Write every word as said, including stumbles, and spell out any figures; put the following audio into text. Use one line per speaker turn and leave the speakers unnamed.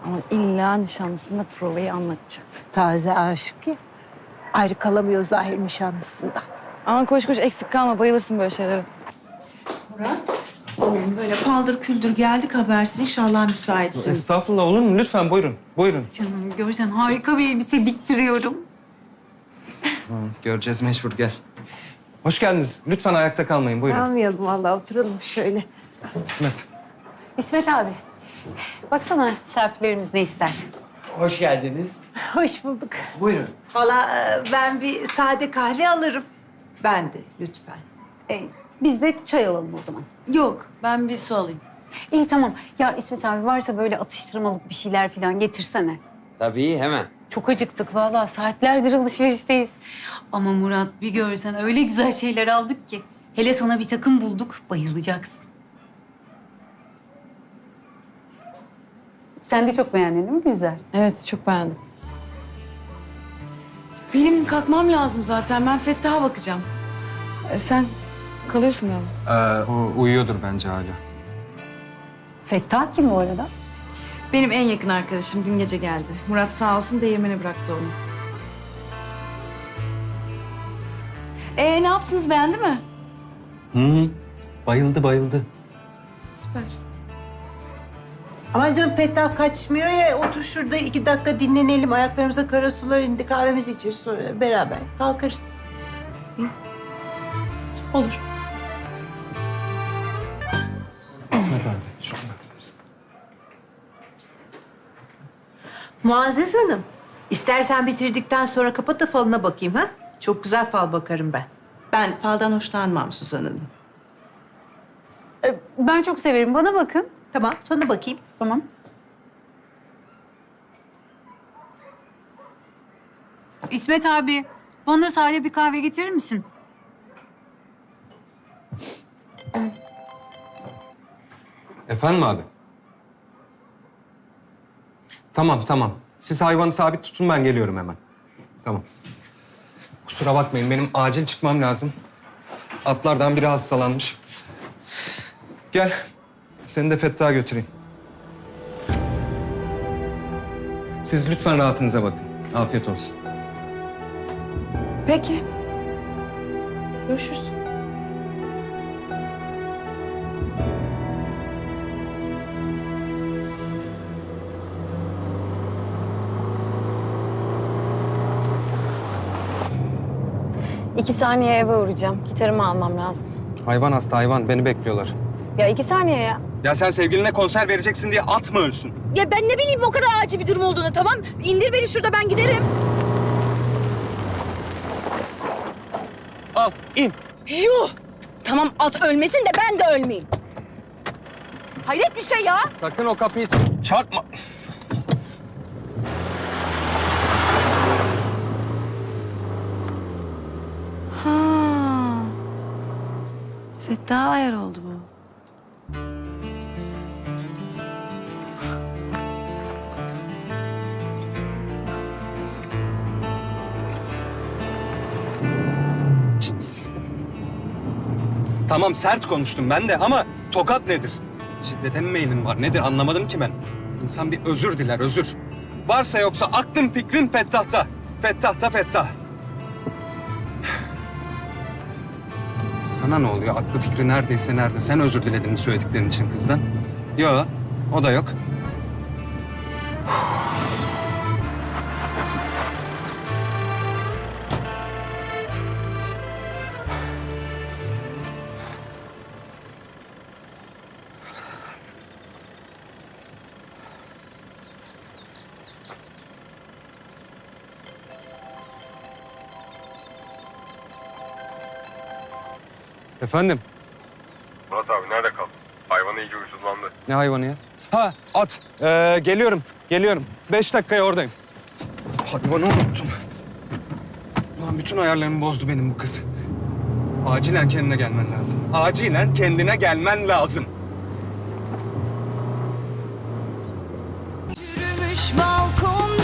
Ama illa nişanlısına provayı anlatacak.
Taze aşık ya. Ayrı kalamıyor zahir nişanlısından.
Aman koş koş eksik kalma, bayılırsın böyle şeylere.
Murat, oğlum böyle paldır küldür geldik habersiz. İnşallah müsaitsin.
Estağfurullah, olur mu? Lütfen buyurun, buyurun.
Canım görsen harika bir elbise diktiriyorum.
Hı, göreceğiz mecbur, gel. Hoş geldiniz. Lütfen ayakta kalmayın, buyurun.
Almayalım vallahi, oturalım şöyle.
İsmet.
İsmet abi, baksana misafirlerimiz ne ister?
Hoş geldiniz.
Hoş bulduk.
Buyurun.
Valla e, ben bir sade kahve alırım.
Ben de lütfen.
Ee, biz de çay alalım o zaman.
Yok, ben bir su alayım.
İyi tamam. Ya İsmet abi varsa böyle atıştırmalık bir şeyler falan getirsene.
Tabii hemen.
Çok acıktık vallahi. Saatlerdir alışverişteyiz. Ama Murat bir görsen öyle güzel şeyler aldık ki. Hele sana bir takım bulduk, bayılacaksın. Sen de çok beğendin değil mi Güzel?
Evet, çok beğendim. Benim kalkmam lazım zaten. Ben Fettah'a bakacağım. E, sen kalıyorsun galiba.
Ee, o uyuyordur bence hala.
Fettah kim bu arada?
Benim en yakın arkadaşım dün gece geldi. Murat sağ olsun değirmene bıraktı onu. Ee ne yaptınız, beğendi mi?
Hı hı. Bayıldı, bayıldı.
Süper.
Aman canım, Fettah kaçmıyor ya. Otur şurada iki dakika dinlenelim. Ayaklarımıza kara sular indi. Kahvemizi içeriz, sonra beraber kalkarız.
Olur.
İsmet abi, şuna bakar mısın?
Muazzez Hanım, istersen bitirdikten sonra kapat da falına bakayım ha. Çok güzel fal bakarım ben.
Ben faldan hoşlanmam Suzan Hanım.
Ee, ben çok severim. Bana bakın.
Tamam, sana bakayım.
Tamam. İsmet abi, bana da sade bir kahve getirir misin?
Efendim abi? Tamam, tamam. Siz hayvanı sabit tutun, ben geliyorum hemen. Tamam. Kusura bakmayın, benim acil çıkmam lazım. Atlardan biri hastalanmış. Gel, seni de Fettah'a götüreyim. Siz lütfen rahatınıza bakın. Afiyet olsun.
Peki. Görüşürüz. İki saniye eve uğrayacağım. Gitarımı almam lazım.
Hayvan hasta, hayvan. Beni bekliyorlar.
Ya iki saniye ya.
Ya sen sevgiline konser vereceksin diye at mı ölsün?
Ya ben ne bileyim o kadar acil bir durum olduğunu, tamam? İndir beni şurada, ben giderim.
Al, in.
Yuh! Tamam, at ölmesin de ben de ölmeyeyim. Hayret bir şey ya.
Sakın o kapıyı çarpma.
Ha. Fettah ayar oldu bu.
Cins. Tamam, sert konuştum ben de ama tokat nedir? Şiddete mi meylin var? Nedir? Anlamadım ki ben. İnsan bir özür diler, özür. Varsa yoksa aklın fikrin Fettah'ta. Fettah'ta Fettah. Sana ne oluyor? Aklı fikri neredeyse nerede? Sen özür diledin söylediklerin için kızdan. Yok, o da yok. Efendim?
Murat abi nerede kaldın? Hayvan iyice huysuzlandı.
Ne hayvanı ya? Ha, at. Ee, geliyorum, geliyorum. Beş dakikaya oradayım. Hayvanı unuttum. Ulan bütün ayarlarımı bozdu benim bu kız. Acilen kendine gelmen lazım. Acilen kendine gelmen lazım.
Yürümüş balkon